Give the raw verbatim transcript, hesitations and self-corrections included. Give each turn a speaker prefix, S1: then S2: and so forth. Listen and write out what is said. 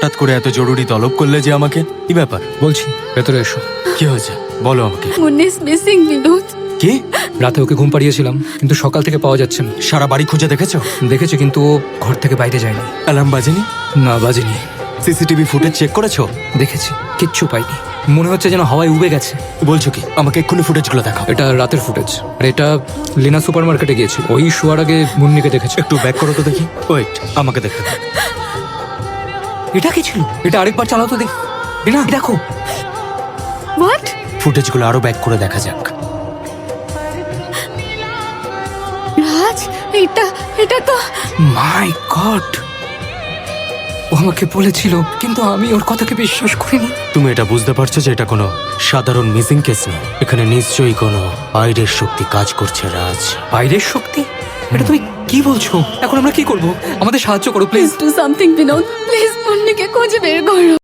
S1: হঠাৎ করে এত জরুরি তলব করলে যে আমাকে? কি ব্যাপার?
S2: বলছি ভেতরে এসো।
S1: কি হয়েছে বলো আমাকে।
S3: Munni is missing Binod.
S1: কি?
S2: রাতে ওকে ঘুম পাড়িয়েছিলাম কিন্তু সকাল থেকে পাওয়া যাচ্ছে না।
S1: সারা বাড়ি খুঁজে দেখেছো?
S2: দেখেছি কিন্তু ও ঘর থেকে বাইরে যায়নি।
S1: অ্যালার্ম বাজেনি?
S2: না বাজেনি।
S1: সিসিটিভি ফুটেজ চেক করেছো?
S2: দেখেছি কিচ্ছু পাইনি। মনে হচ্ছে যেন হাওয়ায় উবে গেছে।
S1: বলছো কি? আমাকে এক্ষুনি ফুটেজগুলো দেখাও।
S2: এটা রাতের ফুটেজ আর এটা লিনা সুপার মার্কেটে গিয়েছিল। ওই শোয়ার আগে মুন্নিকে দেখেছে।
S1: একটু ব্যাক করো তো দেখি। ওয়েট, আমাকে দেখতে দাও।
S2: এটা কি ছিল? এটা আরেকবার চালাও তো দেখি। লিনা দেখো।
S3: হোয়াট?
S1: ফুটেজগুলো আরো ব্যাক করে দেখা যাক।
S3: রাজ, এটা এটা তো
S2: মাই গড, ও আমাকে বলেছিল কিন্তু আমি ওর কথাকে বিশ্বাস করিনি।
S1: তুমি এটা বুঝতে পারছো যে এটা কোনো সাধারণ মিসিং কেস নয়? এখানে নিশ্চয়ই কোনো বাইরের শক্তি কাজ করছে রাজ।
S2: বাইরের শক্তি? এটা তুমি কি বলছো? এখন আমরা কি করব? আমাদের সাহায্য করো please.
S3: Please do something Binod, please মুন্নিকে খুঁজে বের করো।